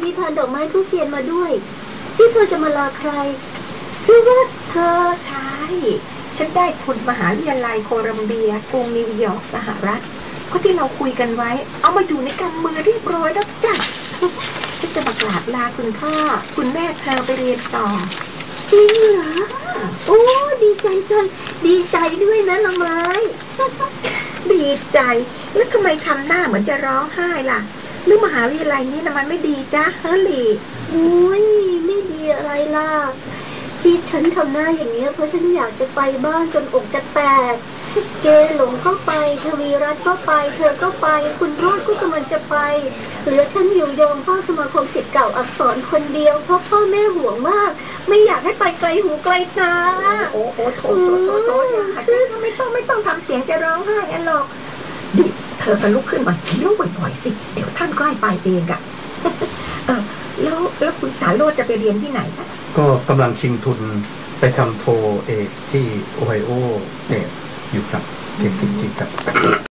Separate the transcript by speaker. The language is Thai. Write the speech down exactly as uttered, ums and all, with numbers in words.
Speaker 1: มีพานดอกไม้ทุกเทียนมาด้วยที่เธอจะมาลาใครหรือว่าเธอ
Speaker 2: ใช่ฉันได้ทุนมหาวิทยาลัยโคลัมเบียกรุงนิวยอร์กสหรัฐก็ที่เราคุยกันไว้เอามาอยู่ในกำมือเรียบร้อยแล้วจ้ะฉันจะมากราบลาคุณพ่อคุณแม่เธอไปเรียนต่อ
Speaker 1: จริงเหรอโอ้ดีใจจังดีใจด้วยนะละไม้
Speaker 2: ดีใจแล้วทำไมทำหน้าเหมือนจะร้องไห้ล่ะหรือมหาวิทยาลัยนี้นะมันไม่ดีจ้ะเฮลี่
Speaker 1: โอ้ยไม่ดีอะไรล่ะที่ฉันทำหน้าอย่างนี้เพราะฉันอยากจะไปบ้านจนอกจะแตกเกหลงก็ไปทวีรัตน์ก็ไปเธอก็ไปคุณรอดก็กำลังจะไปเหลือฉันอยู่ยอมเฝ้าสมาคมศิษย์เก่าอักษรคนเดียวเพราะพ่อแม่ห่วงมากไม่อยากให้ไปไกลหูไกลตา
Speaker 2: โอ้โหโถโถโถโถอย่าไม่ต้องไม่ต้องทำเสียงจะร้องไห้กันหรอกดิเธอจะลุกขึ้นมาเคี้ยวบ่อยๆสิเดี๋ยวท่านก็ให้ไปเองอะเออแล้วแล้วคุณสาโรจน์จะไปเรียนที่ไหนคะ
Speaker 3: ก็กำลังชิงทุนไปทำโทเอกที่โอไฮโอสเตทอยู่ครับเด็กจริงๆครับ